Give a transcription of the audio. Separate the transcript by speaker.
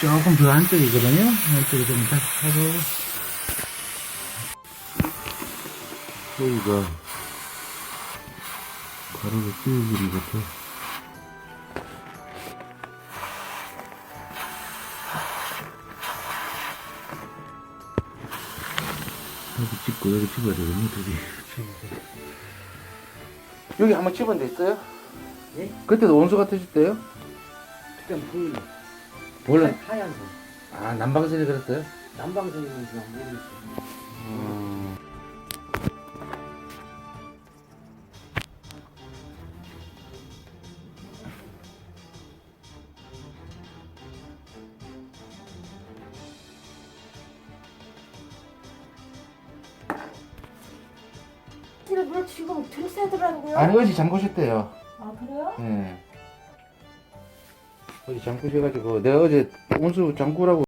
Speaker 1: 조금 더 안쪽이거든요. 안쪽에 좀 다시 하고.
Speaker 2: 여기가 가로로 찌우기리 같아. 여기 찝고 여기 찝어야 되겠네, 둘이.
Speaker 1: 여기 한번 집은 됐어요?
Speaker 3: 예?
Speaker 1: 그때도 온수 같으실 때요?
Speaker 3: 그때 보이네.
Speaker 1: 원래
Speaker 3: 하얀색.
Speaker 1: 아 난방선이 그랬어요?
Speaker 3: 난방색이면 그냥 모르겠어요.
Speaker 4: 물 지금 들었어야 되더라고요.
Speaker 1: 아니 어제 잠그셨대요.
Speaker 4: 아 그래요?
Speaker 1: 예. 어제 잠그셔가지고 내가 어제 온수 잠그라고